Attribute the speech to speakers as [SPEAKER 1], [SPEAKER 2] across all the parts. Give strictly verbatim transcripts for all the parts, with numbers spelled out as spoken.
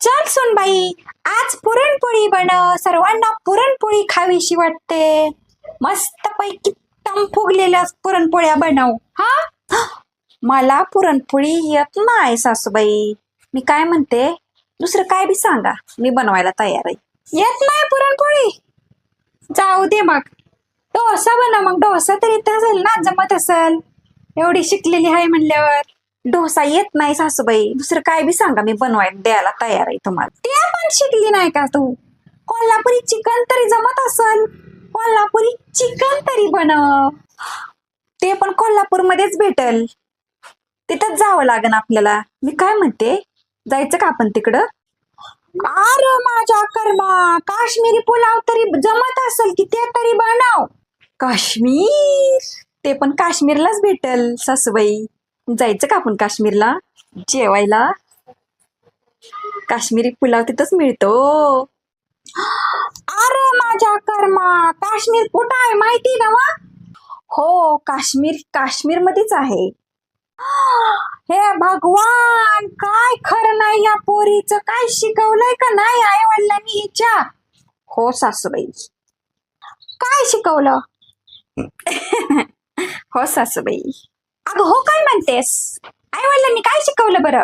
[SPEAKER 1] चल सुनबाई, आज पुरणपोळी बनव. सर्वांना पुरणपोळी खावीशी वाटते. मस्त पैकी टम फुगलेल्या पुरणपोळ्या बनव. हा, मला पुरणपोळी येत नाही सासूबाई. मी काय म्हणते, दुसरं काय बी सांगा, मी बनवायला तयार आहे. येत नाही पुरणपोळी, जाऊ दे मग डोसा बनव. मग डोसा तरी येत असेल ना, जमत असेल, एवढी शिकलेली आहे म्हणल्यावर. डोसा येत नाही सासूबाई, दुसरं काय बी सांगा, मी बनवायला द्यायला तयार आहे तुम्हाला. ते पण शिकली नाही का तू? कोल्हापुरी चिकन तरी जमत असेल, कोल्हापुरी चिकन तरी बनव. ते पण कोल्हापूरमध्येच भेटल, तिथंच जावं लागेल आपल्याला. मी काय म्हणते, जायचं का आपण तिकडं? अरे माझ्या कर्मा, काश्मीरी पुलाव तरी जमत असेल की ते तरी बनव. काश्मीर, ते पण काश्मीरलाच भेटल सासूबाई. जायचं का आपण काश्मीरला जेवायला? काश्मीरी पुलाव तिथंच मिळतो. अरे माझ्या कर्मा, काश्मीर कुठं आहे माहिती ना? हो, काश्मीर काश्मीर मध्येच आहे. हे भगवान, काय खरं नाही या पोरीचं. काय शिकवलंय का नाही आई वडिलांनी हिच्या? हो सासूबाई. काय शिकवलं? हो सासूबाई. अगं हो काय म्हणतेस? आई वडिलांनी काय शिकवलं बरं?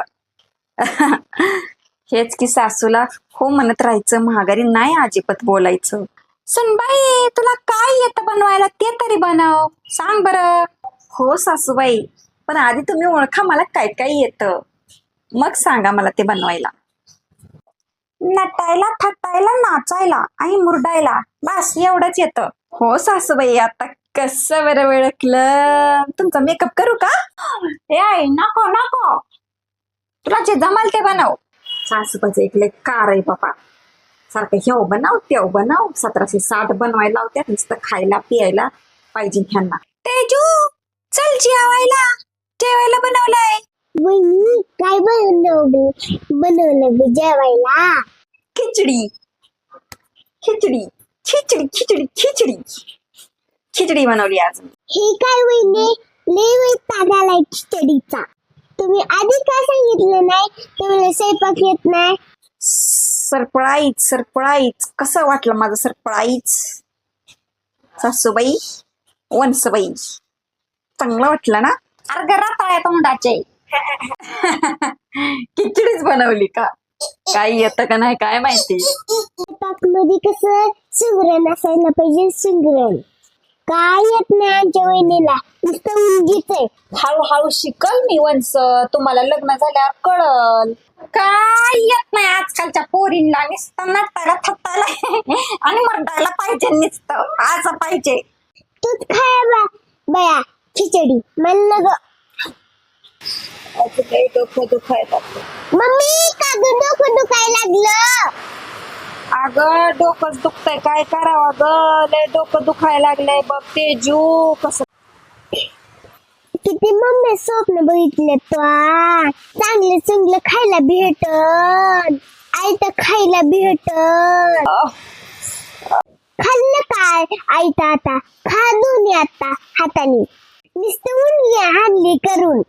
[SPEAKER 1] हेच की सासूला हो म्हणत राहायचं, महागारी नाही अजिबात बोलायचं. सुनबाई, तुला काय येतं बनवायला ते तरी बनव, सांग बरं. हो सासूबाई, पण आधी तुम्ही ओळखा मला काय काय येतं, मग सांगा मला ते बनवायला. नटायला, थटायला, नाचायला आणि मुरडायला, बस एवढंच येतं. हो सासूबाई, आता कसं बरं ओळखलं? तुमचा मेकअप करू का? ए आई, नको नको, तुला जे जमाल ते बनव. सासूबाईचं एक लय कार आहे बाबा, सारखं हेव बनव तेव बनव, सतराशे साठ बनवायला लावत्यात, नुसतं खायला पियायला पाहिजे ह्यांना. तेजू, चल जेवायला, जेवायला बनवलंय.
[SPEAKER 2] वहिनी, काय बनवलं बनवलं बी जेवायला?
[SPEAKER 1] खिचडी खिचडी खिचडी खिचडी खिचडी खिचडी बनवली आज.
[SPEAKER 2] हे काय वहिनी, लय वैताग आलाय खिचडीचा. तुम्ही आधी का सांगितलं नाही तुम्हाला स्वयंपाक येत नाही?
[SPEAKER 1] सरप्राईज सरप्राईज कसं वाटलं माझं सरप्राईज? सासूबाई, वंसबाई, चांगलं वाटलं ना? अर्ग राताळ्या तोंडाचे. खिचडीच बनवली का? काय येतं का नाही काय माहिती.
[SPEAKER 2] स्वयंपाक मध्ये कसं सुगरण असायला पाहिजे, सुगरण. काय येत नाही आमच्या वहिनीला, नुसतं उंगीच आहे.
[SPEAKER 1] हळूहळू शिकल मी वंस, तुम्हाला लग्न झाल्यावर कळल. काय येत नाही आजकालच्या पोरींना, नुसतं नटायला थटायला आणि मरडायला पाहिजे, नुसतं असं पाहिजे.
[SPEAKER 2] तूच खाय बा बया खिचडी, मला ग.
[SPEAKER 1] डोकं दुखायला
[SPEAKER 2] मम्मी, का ग डोकं दुखायला लागलं?
[SPEAKER 1] अगं डोकंच दुखतंय, काय करावं ग, लय डोकं दुखायला लागलंय बघ. तेजू, कसं
[SPEAKER 2] किती मम्मी स्वप्न बघितले तो, चांगलं चांगलं खायला भेटन, आयत खायला भेटन. खाल्लं काय आयत? आता खा दोन्ही आता हाताने, नुसतं उंडली हानली करून.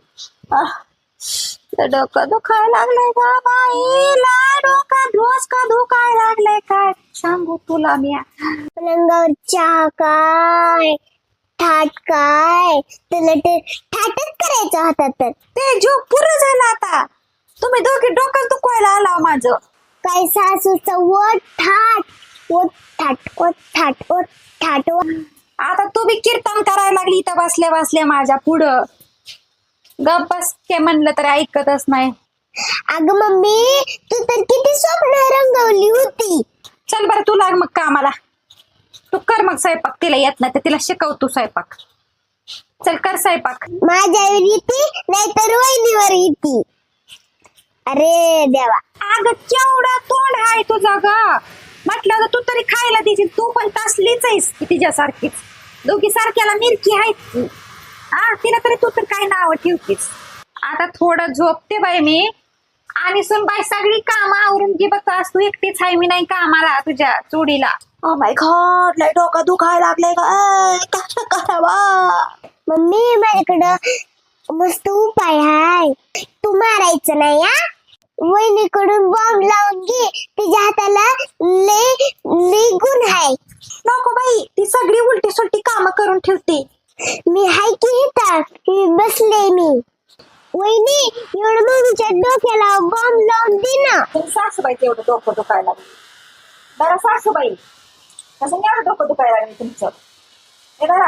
[SPEAKER 1] डोकं दुखायला लागलंय ग बाईला, डोकं रोज का दुखायला लागलंय, काय सांगू तुला मी.
[SPEAKER 2] पलंगावर चहा काय, थाट काय, तुला ते थाटच करायचं होता तर.
[SPEAKER 1] ते जो पुरं झालं आता, तुम्ही दोघे डोकं दुखवायला आला माझं.
[SPEAKER 2] काय सासूचं वट थाट, वट थाट, वट थाट, वट थाट.
[SPEAKER 1] आता तू बी कीर्तन करायला लागली इथं बसल्या बसल्या माझ्या पुढं. गप बस ते म्हणलं तर ऐकतच नाही.
[SPEAKER 2] अगं मम्मी, तू तर किती स्वप्न रंगवली होती.
[SPEAKER 1] चल बरं, तू लाग मग कामाला, तू कर मग स्वयंपाक. तिला येत नाही तर तिला शिकव तू स्वयंपाक. चल कर स्वयंपाक.
[SPEAKER 2] माझ्यावर येते नाहीतर वहिनीवर येते. अरे देवा.
[SPEAKER 1] अगं केवढा तोंड आहे तुझा ग, म्हटलं तर तू तरी खायला देशील. तू पण तसलीच आहेस की तिच्यासारखीच, दोघी सारख्याला मिरकी आहेत. हा, तिला तरी तू तर काय नाव ठेवतीस. आता थोडं झोपते बाई मी, आणि सुन बाई सगळी कामं आवरून घे बघ. तू एकटीच आहे, मी नाही कामाला तुझ्या चोडीला. ओ माय गॉड, लय डोकं दुखायला लागलंय ग, कसं करावं?
[SPEAKER 2] मम्मी, माझ्याकडं मस्त उपाय आहे, तू मारायचं नाही. हा, वहिनीकडून बॉम्ब लावून घे. वहिनी तिच्या हाताला लय लय गुण आहे.
[SPEAKER 1] नको बाई, ती सगळी उलटी सुलटी कामं करून ठेवते.
[SPEAKER 2] मी हाय की इथं बसले मी. वहिनी एवढं मम्मीच्या डोक्याला बॉम्ब लावून दे ना.
[SPEAKER 1] तुम सासूबाईचं एवढं डोकं दुखायला लागलं. बरं सासूबाई, कसं नाही एवढं डोकं दुखायला लागलं तुमचं? हे बघा.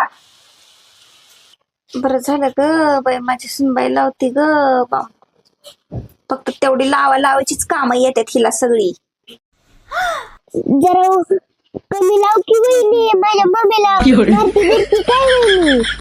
[SPEAKER 1] बरं झालं ग बाई, माझी सुनबाई लावती ग बा. फक्त तेवढी लावा लावायचीच कामं येतात हिला सगळी.
[SPEAKER 2] जरा कमी लाव की वहिनी, माझ्या मम्मीला मारती बिरती काय वहिनी.